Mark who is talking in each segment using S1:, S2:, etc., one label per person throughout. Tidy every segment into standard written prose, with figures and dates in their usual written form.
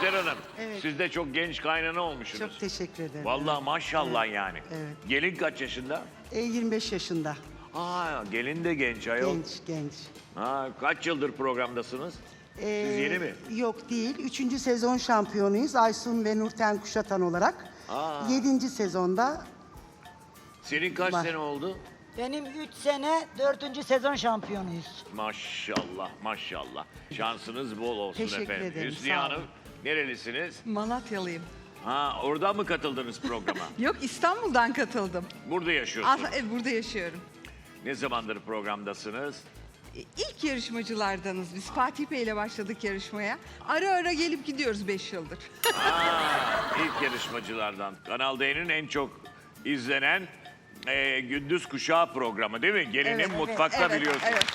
S1: Bihter Hanım,
S2: Evet.
S1: siz de çok genç kaynana olmuşsunuz.
S2: Çok teşekkür ederim.
S1: Vallahi maşallah yani.
S2: Evet.
S1: Gelin kaç yaşında?
S2: 25 yaşında.
S1: Aa, gelin de genç ayol.
S2: Genç.
S1: Ha, kaç yıldır programdasınız? Siz yeni mi?
S2: Yok değil. 3. sezon şampiyonuyuz. Aysun ve Nurten Kuşatan olarak.
S1: Aa.
S2: 7. sezonda
S1: Senin kaç
S2: Var.
S1: sene oldu?
S3: Benim 3 sene 4. sezon şampiyonuyuz.
S1: Maşallah, maşallah. Şansınız bol olsun
S2: Teşekkür
S1: efendim.
S2: ederim,
S1: Hüsniye
S2: sağ
S1: Hanım,
S2: olun.
S1: nerelisiniz?
S4: Malatyalıyım.
S1: Ha, oradan mı katıldınız programa?
S4: Yok, İstanbul'dan katıldım.
S1: Burada yaşıyorsunuz.
S4: Burada yaşıyorum.
S1: Ne zamandır programdasınız?
S4: İlk yarışmacılardanız biz. Fatih Bey ile başladık yarışmaya. Ara ara gelip gidiyoruz 5 yıldır.
S1: İlk yarışmacılardan. Kanal D'nin en çok izlenen gündüz kuşağı programı değil mi? Gelinin
S4: Evet,
S1: mutfakta
S4: evet,
S1: biliyorsunuz.
S4: evet.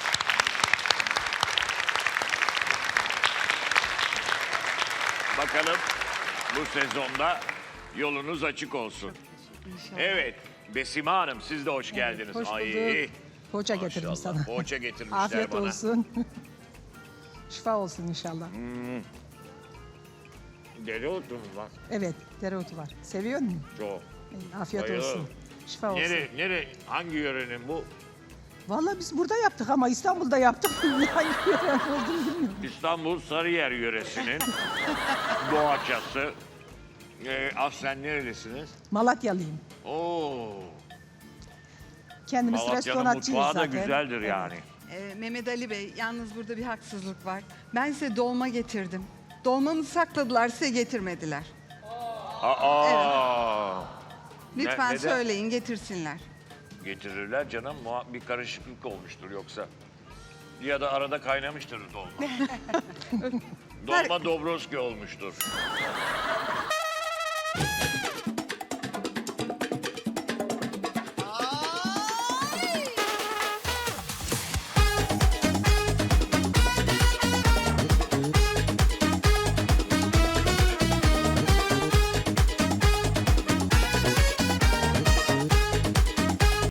S1: Bakalım bu sezonda yolunuz açık olsun. Evet, Besime Hanım siz de hoş geldiniz.
S5: Hoş
S1: Ay,
S5: bulduk. Poğaça getirdim
S1: maşallah,
S5: sana.
S1: Poğaça getirmişler
S5: Afiyet
S1: bana.
S5: olsun. Şifa olsun inşallah.
S1: Dereotu mu var?
S5: Evet, dereotu var. Seviyor musun?
S1: Çok.
S5: Afiyet
S1: Bayılıyorum.
S5: olsun. Şifa olsun.
S1: Hangi yörenin bu?
S5: Vallahi biz burada yaptık ama İstanbul'da yaptık. Hangi yören olduğunu bilmiyorum.
S1: İstanbul Sarıyer yöresinin doğaçası. Aslen nerelisiniz?
S5: Malatyalıyım.
S1: Oo,
S5: Kendimiz
S1: Malatya'nın
S5: restorançıyız
S1: mutfağı da
S5: zaten.
S1: güzeldir
S5: Evet.
S1: yani.
S4: Mehmet Ali Bey, yalnız burada bir haksızlık var. Ben size dolma getirdim. Dolmamı sakladılar, size getirmediler.
S1: Aa,
S4: Lütfen
S1: neden?
S4: söyleyin, getirsinler.
S1: Getirirler canım. Bir karışıklık olmuştur yoksa. Ya da arada kaynamıştır dolma. Dolma Dobroski olmuştur.